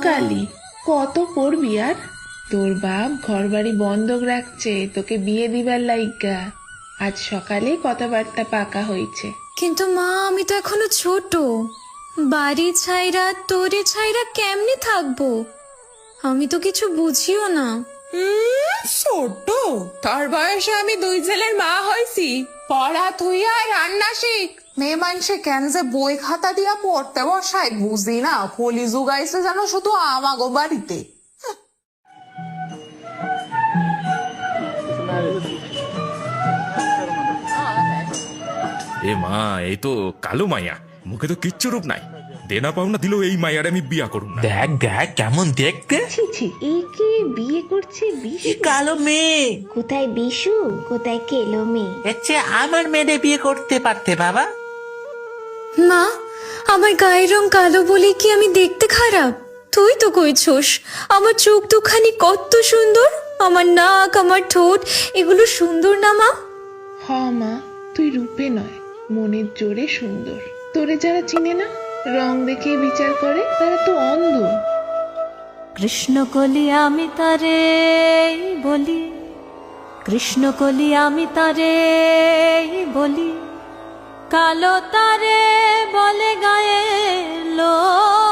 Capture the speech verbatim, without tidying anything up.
কালি, কত পড়বি আর? তোর বাপ ঘর বাড়ি বন্ধক রাখছে তোকে বিয়ে দিবার লাইগা। আজ সকালে কথাবার্তা পাকা হয়েছে। কিন্তু মা, আমি তো এখনো ছোট। বাড়ি ছাইরা তোরে ছাইরা কেমনে থাকবো? আমি তো কিছু বুঝিও না। হুম, ছোট? তোর বয়সে আমি দুই ছেলের মা হয়েছি। পড়া থুইয়া রান্না শিখ। মেয়ে মানুষে কেন যে বই খাতা দিয়া পড়তে বসায় বুঝি না। কলি যুগাইছে যেন শুধু আমাগো বাড়িতে। এ মা, এই তো কালো মাইয়া, মুখে তো কিচ্ছু রূপ নাই। দেনা পাওনা দিলেও এই মাইয়ার আমি বিয়া করুম না। দেখ দেখ কেমন দেখতে। ছি ছি, একে বিয়ে করছে বিশু? কালো মেয়ে, কোথায় বিশু, কোথায় কেলো মেয়ে? এর চেয়ে আমার মেয়েদের বিয়ে করতে পারতে বাবা। মা, আমার গায়ের রং কালো বলে কি আমি দেখতে খারাপ? তুই তো কইছস আমার চোখ দুখানি কত সুন্দর, আমার নাক, আমার ঠোঁট, এগুলো সুন্দর না মা? হ মা, তুই রূপে নয় মনের জোরে সুন্দর। তোরে যারা চিনে না, রং দেখে বিচার করে, তারা তো অন্ধ। কৃষ্ণ কলি আমি তারে বলি, কৃষ্ণ কলি আমি তারে বলি, কালো তারে বলে গায়ে লো